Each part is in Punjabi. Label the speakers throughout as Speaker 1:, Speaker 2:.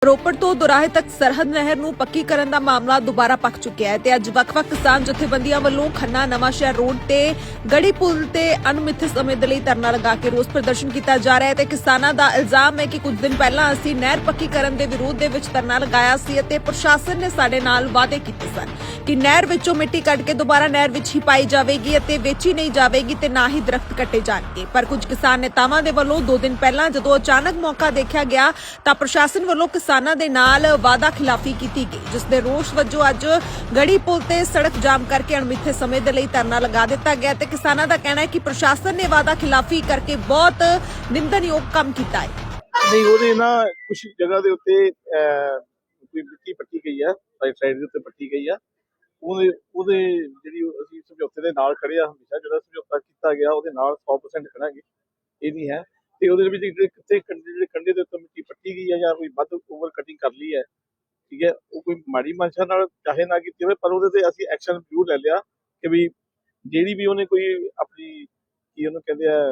Speaker 1: ਰੋਪੜ ਤੋਂ ਦੁਰਾਹੇ ਤੱਕ ਸਰਹੱਦ ਨਹਿਰ ਨੂੰ ਪੱਕੀ ਕਰਨ ਦਾ ਮਾਮਲਾ ਦੁਬਾਰਾ ਪੱਕ ਚੁੱਕਿਆ ਹੈ ਤੇ ਅੱਜ ਵੱਖ-ਵੱਖ ਕਿਸਾਨ ਜਥੇਬੰਦੀਆਂ ਵੱਲੋਂ ਖੰਨਾ ਨਵਾਂਸ਼ਹਿਰ ਰੋਡ ਤੇ ਗੜੀ ਪੁਲ ਤੇ ਅਣਮਿੱਥੇ ਸਮੇਂ ਦੇ ਲਈ ਧਰਨਾ ਲਗਾ ਕੇ ਰੋਸ ਪ੍ਰਦਰਸ਼ਨ ਕੀਤਾ ਜਾ ਰਿਹਾ ਹੈ ਤੇ ਕਿਸਾਨਾਂ ਦਾ ਇਲਜ਼ਾਮ ਹੈ ਕਿ ਕੁਝ ਦਿਨ ਪਹਿਲਾਂ ਅਸੀਂ ਨਹਿਰ ਪੱਕੀ ਕਰਨ ਦੇ ਵਿਰੋਧ ਦੇ ਵਿੱਚ ਧਰਨਾ ਲਗਾਇਆ ਸੀ ਅਤੇ ਪ੍ਰਸ਼ਾਸਨ ਨੇ ਸਾਡੇ ਨਾਲ ਵਾਅਦੇ ਕੀਤੇ ਸਨ ਕਿ ਨਹਿਰ ਵਿੱਚੋਂ ਮਿੱਟੀ ਕੱਢ ਕੇ ਦੁਬਾਰਾ ਨਹਿਰ ਵਿੱਚ ਹੀ ਪਾਈ ਜਾਵੇਗੀ ਅਤੇ ਵੇਚੀ ਨਹੀਂ ਜਾਵੇਗੀ ਤੇ ਨਾ ਹੀ ਦਰਖਤ ਕੱਟੇ ਜਾਣਗੇ। ਪਰ ਕੁਝ ਕਿਸਾਨ ਨੇਤਾਵਾਂ ਦੇ ਵੱਲੋਂ 2 ਦਿਨ ਪਹਿਲਾਂ ਜਦੋਂ ਅਚਾਨਕ ਮੌਕਾ ਦੇਖਿਆ ਗਿਆ ਤਾਂ ਪ੍ਰਸ਼ਾਸਨ ਵੱਲੋਂ ਕਿਸਾਨਾਂ ਦੇ ਨਾਲ ਵਾਅਦਾ ਖਿਲਾਫੀ ਕੀਤੀ ਗਈ, ਜਿਸ ਦੇ ਰੋਸ ਵਜੋਂ ਅੱਜ ਗੜੀ ਪੁਲ ਤੇ ਸੜਕ ਜਾਮ ਕਰਕੇ ਅਣਮਿੱਥੇ ਸਮੇਂ ਦੇ ਲਈ ਧਰਨਾ ਲਗਾ ਦਿੱਤਾ ਗਿਆ ਤੇ ਕਿਸਾਨਾਂ ਦਾ ਕਹਿਣਾ ਹੈ ਕਿ ਪ੍ਰਸ਼ਾਸਨ ਨੇ ਵਾਅਦਾ ਖਿਲਾਫੀ ਕਰਕੇ ਬਹੁਤ ਨਿੰਦਣਯੋਗ ਕੰਮ ਕੀਤਾ ਹੈ।
Speaker 2: ਨਹੀਂ, ਉਹਦੇ ਨਾ ਕੁਝ ਜਗ੍ਹਾ ਦੇ ਉੱਤੇ ਕੋਈ ਮਿੱਟੀ ਪੱਟੀ ਗਈ ਆ, ਸਾਈਡ ਦੇ ਉੱਤੇ ਪੱਟੀ ਗਈ ਆ। ਉਹਦੇ ਜਿਹੜੀ ਅਸੀਂ ਸਮਝੌਤੇ ਦੇ ਨਾਲ ਖੜੇ ਆ, ਹਮੇਸ਼ਾ ਜਿਹੜਾ ਸਮਝੌਤਾ ਕੀਤਾ ਗਿਆ ਉਹਦੇ ਨਾਲ 100% ਖੜਾਂਗੇ, ਇਹ ਨਹੀਂ ਹੈ। ਤੇ ਉਹਦੇ ਵਿੱਚ ਕਿਤੇ ਜਿਹੜੇ ਕੰਢੇ ਦੇ ਉੱਤੇ ਮਿੱਟੀ ਪੱਟੀ ਗਈ ਹੈ ਜਾਂ ਕੋਈ ਵੱਧ ਓਵਰ ਕਟਿੰਗ ਕਰ ਲਈ ਹੈ, ਠੀਕ ਹੈ, ਉਹ ਕੋਈ ਮਾੜੀ ਮਨਸ਼ਾ ਨਾਲ ਚਾਹੇ ਨਾ ਕੀਤੀ ਹੋਵੇ, ਪਰ ਉਹਦੇ ਤੇ ਅਸੀਂ ਐਕਸ਼ਨ ਜ਼ਰੂਰ ਲੈ ਲਿਆ ਕਿ ਵੀ ਜਿਹੜੀ ਵੀ ਉਹਨੇ ਕੋਈ ਆਪਣੀ ਕੀ ਉਹਨੂੰ ਕਹਿੰਦੇ ਆ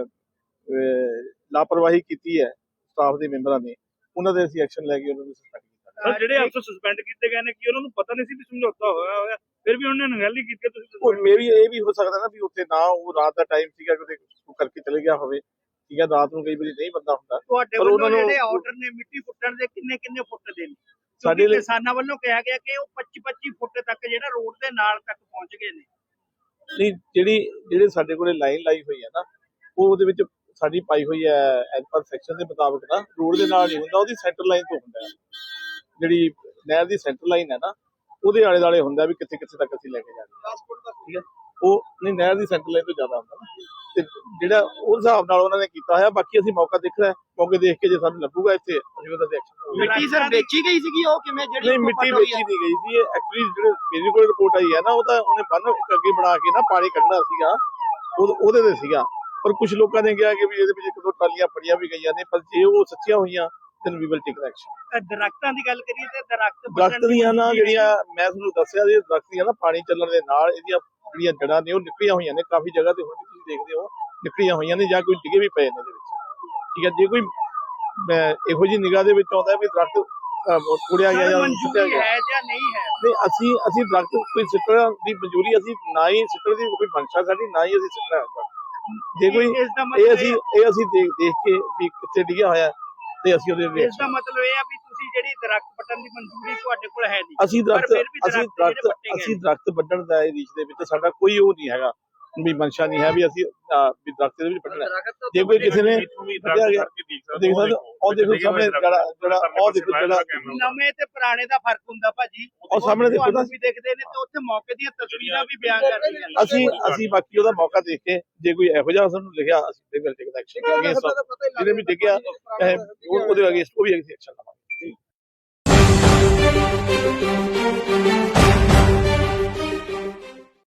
Speaker 2: ਲਾਪਰਵਾਹੀ ਕੀਤੀ ਹੈ ਸਟਾਫ ਦੇ ਮੈਂਬਰਾਂ ਨੇ, ਉਹਨਾਂ ਦੇ ਅਸੀਂ ਐਕਸ਼ਨ ਲੈ ਕੇ ਉਹਨਾਂ ਨੂੰ ਸਸਪੈਂਡ ਕੀਤਾ।
Speaker 3: ਜਿਹੜੇ ਅਫਸਰ ਸਸਪੈਂਡ ਕੀਤੇ ਗਏ ਨੇ ਕਿ ਉਹਨਾਂ ਨੂੰ ਪਤਾ ਨਹੀਂ ਸੀ ਵੀ ਸਮਝੌਤਾ ਹੋਇਆ ਫਿਰ ਵੀ ਉਹਨਾਂ ਨੇ ਨਗੈਲੀ ਕੀਤੀ ਤੁਸੀਂ?
Speaker 2: ਮੇਰੀ ਇਹ ਵੀ ਹੋ ਸਕਦਾ ਨਾ ਵੀ ਉੱਥੇ ਨਾ ਉਹ ਰਾਤ ਦਾ ਟਾਈਮ ਸੀਗਾ ਕਿ ਕਰਕੇ ਚਲੇ ਗਿਆ ਹੋਵੇ, ਠੀਕ ਹੈ, ਰਾਤ ਨੂੰ ਕਈ ਵਾਰੀ ਨਹੀਂ ਬੰਦਾ ਹੁੰਦਾ।
Speaker 3: ਤੁਹਾਡੇ ਵੱਲੋਂ ਜਿਹੜੇ ਆਰਡਰ ਨੇ ਮਿੱਟੀ ਪੁੱਟਣ ਦੇ ਕਿੰਨੇ ਫੁੱਟ ਦੇ ਨੇ? ਸਾਡੇ ਕਿਸਾਨਾਂ ਵੱਲੋਂ ਕਿਹਾ ਗਿਆ ਕਿ ਉਹ 25 ਫੁੱਟ ਤੱਕ ਜਿਹੜਾ ਰੋਡ ਦੇ ਨਾਲ ਤੱਕ ਪਹੁੰਚ ਗਏ ਨੇ।
Speaker 2: ਨਹੀਂ, ਜਿਹੜੇ ਸਾਡੇ ਕੋਲੇ ਲਾਈਨ ਲਾਈ ਹੋਈ ਹੈ ਨਾ, ਉਹ ਉਹਦੇ ਵਿੱਚ ਸਾਡੀ ਪਾਈ ਹੋਈ ਹੈ ਐਜ਼ ਪਰ ਸੈਕਸ਼ਨ ਦੇ ਮੁਤਾਬਕ ਨਾ ਰੋਡ ਦੇ ਨਾਲ ਨਹੀਂ ਹੁੰਦਾ, ਉਹਦੀ ਸੈਂਟਰ ਲਾਈਨ ਤੋਂ ਹੁੰਦਾ। ਜਿਹੜੀ ਨਹਿਰ ਦੀ ਸੈਂਟਰ ਲਾਈਨ ਹੈ ਨਾ, ਉਹਦੇ ਆਲੇ ਦੁਆਲੇ ਹੁੰਦਾ ਵੀ ਕਿੱਥੇ ਤੱਕ ਅਸੀਂ ਲੈ ਕੇ ਜਾਣਾ, ਠੀਕ ਹੈ। ਉਹ ਨਹੀਂ, ਨਹਿਰ ਦੀ ਸੈਂਟਰ ਲਾਈਨ ਤੋਂ ਜ਼ਿਆਦਾ ਹੁੰਦਾ ਨਾ, ਤੇ ਜਿਹੜਾ ਉਸ ਹਿਸਾਬ ਨਾਲ ਉਹਨਾਂ ਨੇ ਕੀਤਾ ਹੋਇਆ। ਬਾਕੀ ਅਸੀਂ ਮੌਕਾ ਦੇਖਣਾ, ਮੌਕੇ ਦੇਖ ਕੇ ਜੇ ਸਾਨੂੰ ਲੱਗੂਗਾ ਇੱਥੇ ਅਸੀਂ ਉਹਦਾ ਐਕਸ਼ਨ।
Speaker 3: ਮਿੱਟੀ ਸਰ ਵੇਚੀ ਗਈ ਸੀਗੀ ਉਹ ਕਿਵੇਂ? ਜਿਹੜੀ
Speaker 2: ਨਹੀਂ, ਮਿੱਟੀ ਵੇਚੀ ਨਹੀਂ ਗਈ ਸੀ। ਐਕਚੁਅਲੀ ਜਿਹੜੇ ਮੇਰੇ ਕੋਲ ਰਿਪੋਰਟ ਆਈ ਹੈ ਨਾ, ਉਹ ਤਾਂ ਉਹਨੇ ਬੰਨ ਇੱਕ ਅੱਗੇ ਬਣਾ ਕੇ ਨਾ ਪਾਣੀ ਕੱਢਣਾ ਸੀਗਾ, ਉਹਦੇ ਤੇ ਸੀਗਾ। ਪਰ ਕੁਝ ਲੋਕਾਂ ਨੇ ਕਿਹਾ ਕਿ ਵੀ ਇਹਦੇ ਵਿੱਚ 1-2 ਟਰਾਲੀਆਂ ਫੜੀਆਂ ਵੀ ਗਈਆਂ ਨੇ, ਪਰ ਜੇ ਉਹ ਸੱਚੀਆਂ ਹੋਈਆਂ then we will take the action।
Speaker 3: ਦਰਖਤਾਂ ਦੀ ਗੱਲ ਕਰੀਏ ਤੇ
Speaker 2: ਦਰਖਤ ਦੀਆਂ ਨਾ ਜਿਹੜੀਆਂ ਮੈਂ ਤੁਹਾਨੂੰ ਦੱਸਿਆ ਜੀ, ਦਰਖਤ ਦੀਆਂ ਨਾ ਪਾਣੀ ਚੱਲਣ ਦੇ ਨਾਲ ਇਹਦੀਆਂ ਜਿਹੜੀਆਂ ਜੜ੍ਹਾਂ ਨੇ ਉਹ ਨਿਕਲੀਆਂ ਹੋਈਆਂ ਨੇ ਕਾਫੀ ਜਗ੍ਹਾ ਤੇ, ਹੁਣ ਵੀ ਤੁਸੀਂ ਦੇਖਦੇ ਹੋ ਨਿਕਲੀਆਂ ਹੋਈਆਂ ਨੇ ਜਾਂ ਕੋਈ ਡਿੱਗੇ ਵੀ ਪਏ ਨੇ ਇਹਦੇ ਵਿੱਚ, ਠੀਕ ਹੈ। ਜੇ ਕੋਈ ਇਹੋ ਜਿਹੀ ਨਿਗਾਹ ਦੇ ਵਿੱਚ ਆਉਂਦਾ ਵੀ ਦਰਖਤ ਤੋੜਿਆ ਗਿਆ ਜਾਂ ਸੁੱਟਿਆ ਗਿਆ
Speaker 3: ਹੈ ਜਾਂ ਨਹੀਂ ਹੈ,
Speaker 2: ਨਹੀਂ, ਅਸੀਂ ਦਰਖਤ ਕੋਈ ਸਿੱਟਣ ਦੀ ਮਨਜ਼ੂਰੀ ਅਸੀਂ ਨਾ ਹੀ ਸਿੱਟਣ ਦੀ ਕੋਈ ਮਨਸ਼ਾ ਸਾਡੀ ਨਾ ਹੀ ਅਸੀਂ ਸਿੱਟਣਾ। ਜੇ ਕੋਈ ਇਹ ਅਸੀਂ ਦੇਖ ਕੇ ਵੀ ਕਿੱਥੇ ਡਿੱਗਿਆ ਹੋਇਆ ਤੇ ਅਸੀਂ ਉਹਦੇ ਵਿੱਚ,
Speaker 3: ਇਸ ਦਾ ਮਤਲਬ ਇਹ ਆ ਵੀ ਤੁਸੀਂ ਜਿਹੜੀ ਦਰਖਤ ਪੱਟਣ ਦੀ ਮਨਜ਼ੂਰੀ ਤੁਹਾਡੇ ਕੋਲ ਹੈ ਨਹੀਂ।
Speaker 2: ਅਸੀਂ ਦਰਖਤ ਵੱਢਣ ਦਾ ਇਹ ਰੀਚ ਦੇ ਵਿੱਚ ਸਾਡਾ ਕੋਈ ਉਹ ਨਹੀਂ ਹੈਗਾ ਵੀ ਮਨਸ਼ਾ ਨਹੀਂ ਹੈ ਵੀ ਅਸੀਂ ਵੀ ਦਰਖਤ ਦੇ ਵਿੱਚ ਵੱਢਣਾ। ਜੇ ਕੋਈ ਕਿਸੇ ਨੇ ਵੱਢਿਆ ਗਿਆ ਦੇਖ ਸਕਦੇ ਉਹ ਦੇਖੋ ਸਾਹਮਣੇ ਜਿਹੜਾ ਉਹ ਦੇਖੋ ਜਿਹੜਾ
Speaker 3: ਨਵੇਂ ਤੇ ਪੁਰਾਣੇ ਦਾ ਫਰਕ ਹੁੰਦਾ ਭਾਜੀ,
Speaker 2: ਉਹ ਸਾਹਮਣੇ ਦੇਖੋ ਨਾ
Speaker 3: ਵੀ ਦੇਖਦੇ ਨੇ ਤੇ ਉੱਥੇ ਮੌਕੇ ਦੀਆਂ ਤਸਵੀਰਾਂ ਵੀ ਬਿਆਨ ਕਰਦੀਆਂ ਨੇ।
Speaker 2: ਅਸੀਂ ਬਾਕੀ ਉਹਦਾ ਮੌਕਾ ਦੇਖ ਕੇ ਜੇ ਕੋਈ ਇਹੋ ਜਿਹਾ ਸਾਨੂੰ ਲਿਖਿਆ ਅਸੀਂ ਤੇ ਬਿਲਕੁਲ ਐਕਸ਼ਨ ਕਰਾਂਗੇ। ਜਿਹਨੇ ਵੀ ਡਿੱਗਿਆ ਉਹਦੇ ਅਗੇਂਸਟ ਉਹ ਵੀ ਐਕਸ਼ਨ ਲਵਾਂਗੇ।